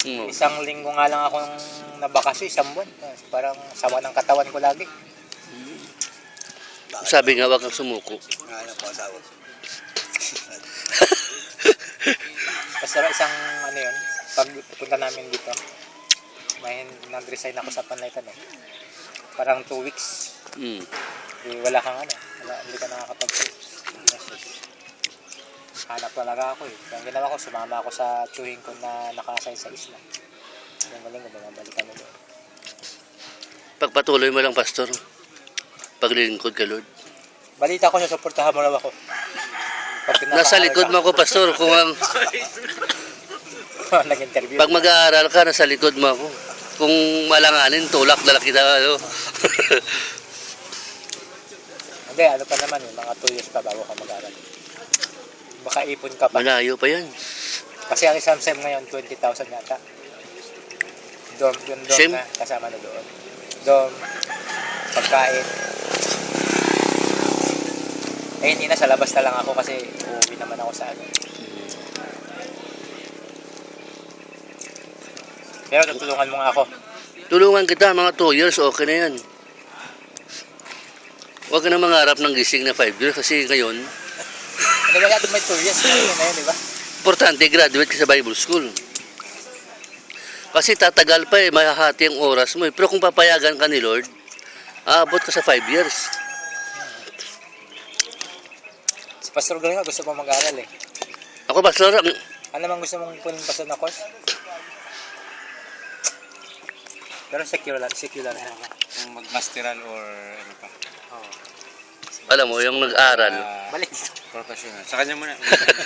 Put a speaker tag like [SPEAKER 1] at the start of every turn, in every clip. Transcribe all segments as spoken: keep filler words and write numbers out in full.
[SPEAKER 1] Hmm.
[SPEAKER 2] Isang linggo nga lang akong nabakasyon, isang buwan. Parang sawa ng katawan ko lagi.
[SPEAKER 1] Sabi nga, wag kang sumuko.
[SPEAKER 3] Ano po, asawa ko.
[SPEAKER 2] Basta isang ano yun, pag pupunta namin dito, may nag-resign ako sa Panlaytan eh. Parang two weeks.
[SPEAKER 1] Hmm.
[SPEAKER 2] Eh, wala kang ano, wala, hindi ka nakakapag-message. Hanap talaga ako eh. Kaya ang ginawa ko, sumama ako sa tsuhin ko na naka-assign sa isla. Yung maling ko, bumabalik kami doon.
[SPEAKER 1] Pagpatuloy mo lang, Pastor. Paglilingkod ka, Lord.
[SPEAKER 2] Balita ko, susuportahan mo lang ako. Pag
[SPEAKER 1] Nasa likod mo ako, Pastor. Kung ang,
[SPEAKER 2] nag-interview.
[SPEAKER 1] pag mag-aaral ka, nasa likod mo ako. Kung malanganin, tulak na lang kita. Ano?
[SPEAKER 2] Hindi, ano pa naman eh, mga two years pa bago ka mag-aaral. Baka ipon ka pa.
[SPEAKER 1] Malayo pa yan.
[SPEAKER 2] Kasi ang exam sem ngayon, twenty thousand yata. Dorm, yung dorm
[SPEAKER 1] Sem?
[SPEAKER 2] na kasama na doon. Dorm, pagkain. Eh, hindi na, sa labas na lang ako kasi uuwi naman ako sa ano. Pero tutulungan mo nga ako.
[SPEAKER 1] Tulungan kita, mga two years, okay na yan. Huwag ka na mangarap ng gising na five years kasi ngayon,
[SPEAKER 2] Hindi ba natin may two years na yun, na yun, di ba?
[SPEAKER 1] importante, graduate ka sa Bible School. Kasi tatagal pa eh, mahahati ang oras mo eh. Pero kung papayagan ka ni Lord, aabot ka sa five years.
[SPEAKER 2] Si Pastor Galing gusto mo mag-aaral eh.
[SPEAKER 1] Ako, Pastor, ang,
[SPEAKER 2] Ano naman gusto mong punin pastor na course? Pero secular lang, secular na.
[SPEAKER 3] Kung mag-masteral or ano pa.
[SPEAKER 2] Oh.
[SPEAKER 1] alam mo, yung nag-aral.
[SPEAKER 3] Ah,
[SPEAKER 2] Balik.
[SPEAKER 3] professional. Sa kanya muna.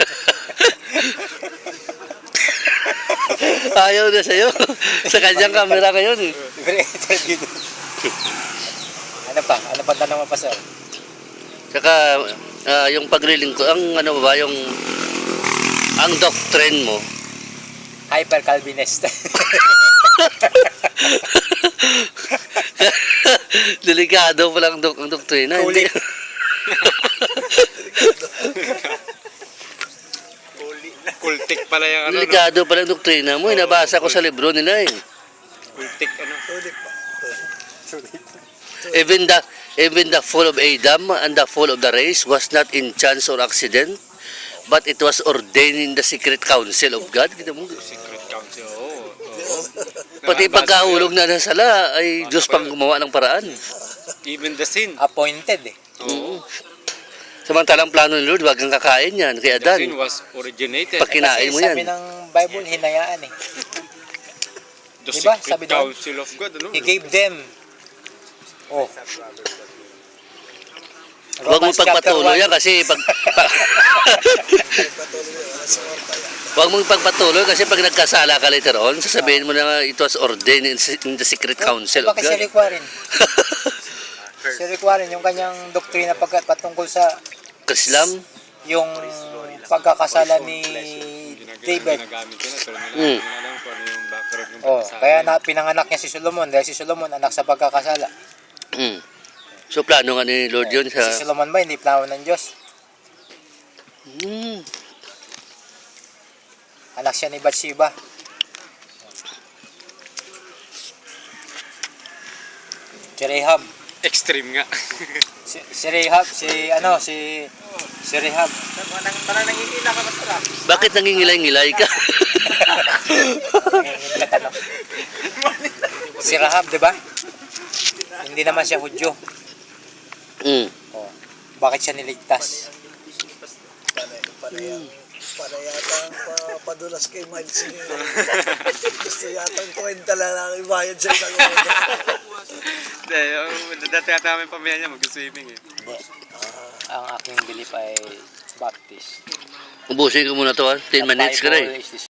[SPEAKER 1] Ayaw na sa'yo. Sa kanyang camera kayo eh.
[SPEAKER 2] Libre interview doon. Ano pa? Ano pa tanong mo pa, sir?
[SPEAKER 1] Saka, ah, yung paglilingkod, ang ano ba, yung, ang doctrine mo,
[SPEAKER 2] Hyper-Calvinist.
[SPEAKER 1] delikado pa lang dok ang doktrina. Hindi.
[SPEAKER 2] Ulit.
[SPEAKER 3] Kultik pala yung ano.
[SPEAKER 1] Delikado pa lang doktrina mo. Nabasa ko sa libro nila eh.
[SPEAKER 3] Kultik ano.
[SPEAKER 1] Even the, even the fall of Adam and the fall of the race was not in chance or accident, but it was ordained in the secret counsel of God. Kita mo?
[SPEAKER 3] Secret council. Oo. oo.
[SPEAKER 1] Pati pagkahulog na ng sala ay Diyos pang gumawa ng paraan.
[SPEAKER 3] Even the sin.
[SPEAKER 2] Appointed eh.
[SPEAKER 3] Oo.
[SPEAKER 1] Samantalang plano ni Lord, wag kang kakain yan. Kay
[SPEAKER 3] The sin
[SPEAKER 1] Adan,
[SPEAKER 3] was originated.
[SPEAKER 1] pag kinain
[SPEAKER 2] Kasi
[SPEAKER 1] mo yan.
[SPEAKER 2] sabi ng Bible, hinayaan eh.
[SPEAKER 3] The
[SPEAKER 2] Diba?
[SPEAKER 3] secret
[SPEAKER 2] Sabi doon,
[SPEAKER 3] council of God. Ano?
[SPEAKER 2] He gave them. Oh.
[SPEAKER 1] Huwag mo
[SPEAKER 2] Romans chapter
[SPEAKER 1] pagpatuloy
[SPEAKER 2] one.
[SPEAKER 1] yan kasi pag... Pa, Huwag mong pagpatuloy kasi pag nagkasala ka later on, sasabihin mo na it was ordained in in the secret counsel of
[SPEAKER 2] Bakit si
[SPEAKER 1] God.
[SPEAKER 2] Rick Warren? Si Rick Warren, yung kanyang doktrina pagkat patungkol sa
[SPEAKER 1] Islam?
[SPEAKER 2] yung pagkakasala ni David.
[SPEAKER 3] Ginagamit ko na. Pero nila,
[SPEAKER 1] Mm.
[SPEAKER 3] hindi alam ko ano yung background ng
[SPEAKER 2] Oh,
[SPEAKER 3] pagkasala.
[SPEAKER 2] kaya na pinanganak niya si Solomon dahil si Solomon anak sa pagkakasala.
[SPEAKER 1] Mm. So plano nga ni Lord yun sa...
[SPEAKER 2] Si Solomon ba hindi plano ng Diyos?
[SPEAKER 1] Mm.
[SPEAKER 2] Anak siya ni Bathsheba. Si Rahab.
[SPEAKER 3] Extreme nga.
[SPEAKER 2] Si, si Rahab, si ano, si si Rahab.
[SPEAKER 3] Parang nangingila ka basta lang.
[SPEAKER 1] Bakit nangingilay-ngilay ka?
[SPEAKER 2] Ano? Si Rahab, 'di ba? Hindi naman siya Hudyo.
[SPEAKER 1] Mm.
[SPEAKER 2] Oh. Bakit siya niligtas?
[SPEAKER 4] Para yata ang pa, padulas kay Miles niya. Gusto yata ang kwenta lang ang ibayad sa isang ulo.
[SPEAKER 3] Hindi, yung dati ata namin pamilya niya mag-swimming eh.
[SPEAKER 2] Hindi. Ang aking belief ay Baptist.
[SPEAKER 1] Ubusin ko muna to ha. ten minutes ka na eh.
[SPEAKER 2] The Bible is the